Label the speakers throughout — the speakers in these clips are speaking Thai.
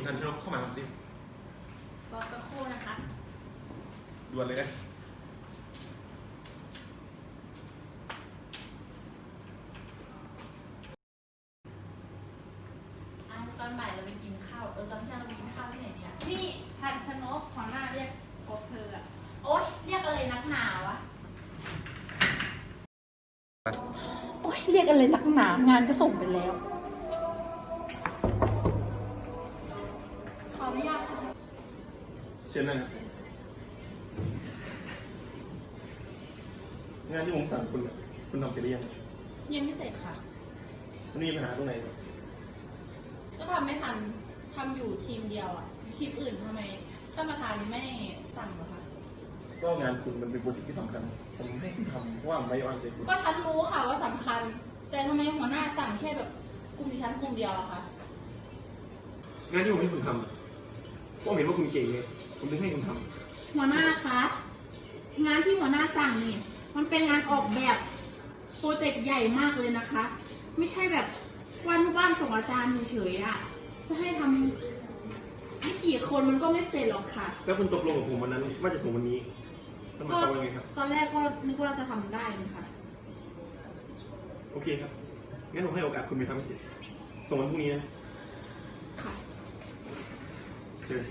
Speaker 1: งั้นเราเข้ามาครับจริง
Speaker 2: รอสักครู่นะคะ
Speaker 1: ด่วนเลยนะ
Speaker 2: ตอนบ่ายเราไปกินข้าวตอนเที่ยงเราไปกินข้าวที่ไหนเนี่ยนี่ทันชนกหัวหน้าเรียกพบเธออะโอ๊ยเรียกอะไรนักหนาวะ
Speaker 3: โอ๊ยเรียกอะไรนักหนางานก็ส่งไปแล้ว
Speaker 2: ขออนุญาตค่ะ
Speaker 1: เชิญนั่งครับงานที่ผมสั่งคุณทำเสร็จหรือยัง
Speaker 3: ยังไม่เสร็จค่ะ
Speaker 1: มันมีปัญหาตรงไหนครับ
Speaker 3: ก็ทำไม่ทันทำอยู่ทีมเดียวอ่ะทีมอื่นทำไมท่านประธานไม่สั่งเหรอคะ
Speaker 1: ก็งานคุณมันเป็นโปรเจกต์ที่สำคัญผมให้คุณทำเพราะว่าไม่วางใจคุณ
Speaker 3: ก็ฉันรู้ค่ะว่าสำคัญแต่ทำไมหัวหน้าสั่งแค่แบบกลุ่มดิฉันกลุ่มเดียวอะคะ
Speaker 1: งานที่ผมให้คุณทำก็เห็นว่าคุณเก่งไงผมถึงให้คุณท
Speaker 3: ำหัวหน้าคะงานที่หัวหน้าสั่งนี่มันเป็นงานออกแบบโปรเจกต์ใหญ่มากเลยนะคะไม่ใช่แบบวันส่งอาจารย์เฉยๆอะจะให้ทำไม่กี่คนมันก็ไม่เสร็จหรอกค่ะ
Speaker 1: แล้วคุณตกลงกับผมวันนั้นว่าจะส่งวันนี้แล้วมันเป็นยังไงครับ
Speaker 3: ตอนแรกก็นึกว่าจะทำได้นะคะ
Speaker 1: โอเคครับงั้นผมให้โอกาสคุณไปทำให้เสร็จส่งวันพรุ่งนี้นะ
Speaker 3: ค่ะ
Speaker 1: เชิญ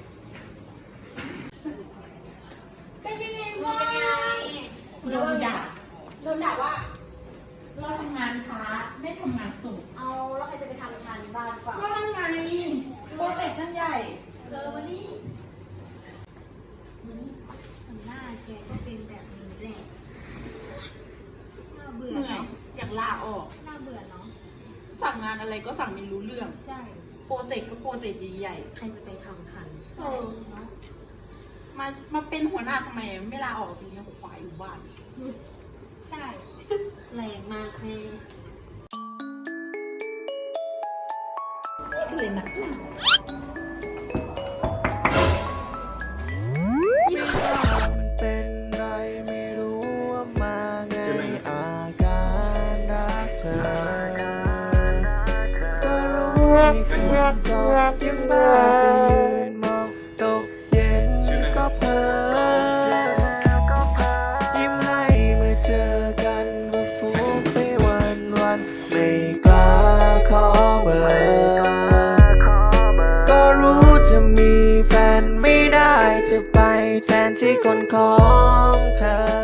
Speaker 3: เป็นยังไงวะโดนด่าว่าเราทำงานช้าไม่ทำงานส่ง
Speaker 2: เอาแล้วใครจะไปทำงานบ้านก่อน
Speaker 3: ก็นั่นไงโปรเจกต์นั่นใหญ่
Speaker 2: มานี่หน้าแกก็เป็นแบบนี้แหละน่าเบื่อ
Speaker 3: เหนื่อยอยากลาออก
Speaker 2: น่าเบื่อเนาะ
Speaker 3: สั่งงานอะไรก็สั่งไม่รู้เรื่อง
Speaker 2: ใช่
Speaker 3: โปรเจกต์ก็โปรเจกต์ใหญ่
Speaker 2: ๆใครจะไปทำทัน
Speaker 3: เนาะมาเป็นหัวหน้าทำไมไม่ลาออกจริงๆขวายอยู่บ้าน
Speaker 2: ใช่แรงมากเลย
Speaker 3: เลยนักหนา
Speaker 4: เป็นไรไม่รู้ว่ามาไงอาการรักเธอก็รู้มีคนจอบยังบ้าไปยืนมองตกเย็นก็เพ้อยิ้มให้เมื่อเจอกันว่าฟุ้งไปวันไม่กล้าขอเบอร์ก็รู้จะมีแฟนไม่ได้จะไปแทนที่คนของเธอ